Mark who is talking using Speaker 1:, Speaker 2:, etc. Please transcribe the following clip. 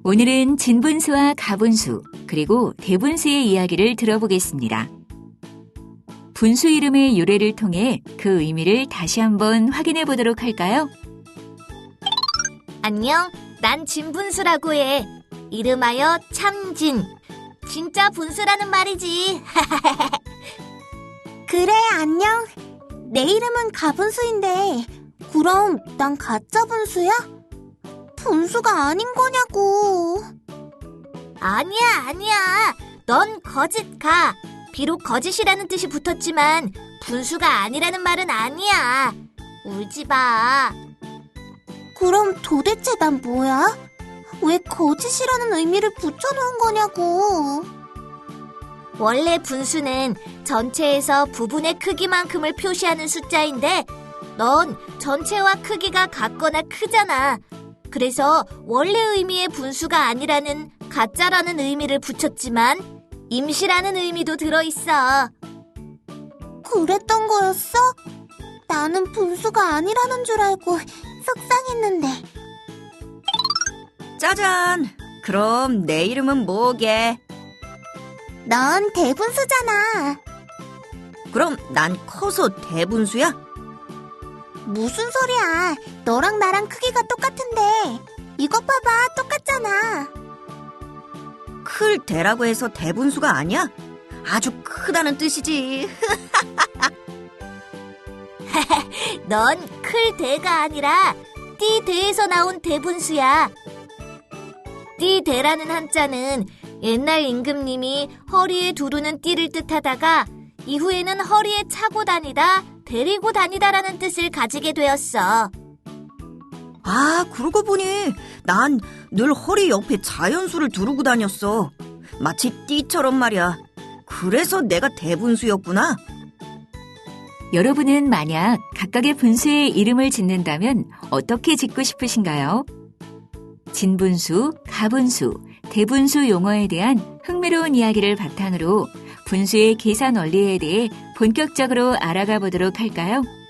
Speaker 1: 오늘은 진분수와 가분수, 그리고 대분수의 이야기를 들어보겠습니다. 분수 이름의 유래를 통해 그 의미를 다시 한번 확인해 보도록 할까요?
Speaker 2: 안녕, 난 진분수라고 해. 이름하여 참진. 진짜 분수라는 말이지.
Speaker 3: 그래, 안녕. 내 이름은 가분수인데 그럼 난 가짜 분수야? 분수가 아닌 거냐고.
Speaker 2: 아니야. 넌 거짓가. 비록 거짓이라는 뜻이 붙었지만 분수가 아니라는 말은 아니야. 울지 마.
Speaker 3: 그럼 도대체 난 뭐야? 왜 거짓이라는 의미를 붙여놓은 거냐고.
Speaker 2: 원래 분수는 전체에서 부분의 크기만큼을 표시하는 숫자인데 넌 전체와 크기가 같거나 크잖아. 그래서 원래 의미의 분수가 아니라는 가짜라는 의미를 붙였지만 임시라는 의미도 들어있어.
Speaker 3: 그랬던 거였어? 나는 분수가 아니라는 줄 알고 속상했는데.
Speaker 4: 짜잔! 그럼 내 이름은 뭐게?
Speaker 3: 넌 대분수잖아.
Speaker 4: 그럼 난 커서 대분수야?
Speaker 3: 무슨 소리야. 너랑 나랑 크기가 똑같은데. 이것 봐봐, 똑같잖아.
Speaker 4: 클 대라고 해서 대분수가 아니야? 아주 크다는 뜻이지.
Speaker 2: 넌 클 대가 아니라 띠 대에서 나온 대분수야. 띠 대라는 한자는 옛날 임금님이 허리에 두르는 띠를 뜻하다가 이후에는 허리에 차고 다니다, 데리고 다니다라는 뜻을 가지게 되었어.
Speaker 4: 아, 그러고 보니 난 늘 허리 옆에 자연수를 두르고 다녔어. 마치 띠처럼 말이야. 그래서 내가 대분수였구나.
Speaker 1: 여러분은 만약 각각의 분수의 이름을 짓는다면 어떻게 짓고 싶으신가요? 진분수, 가분수, 대분수 용어에 대한 흥미로운 이야기를 바탕으로 분수의 계산 원리에 대해 본격적으로 알아가 보도록 할까요?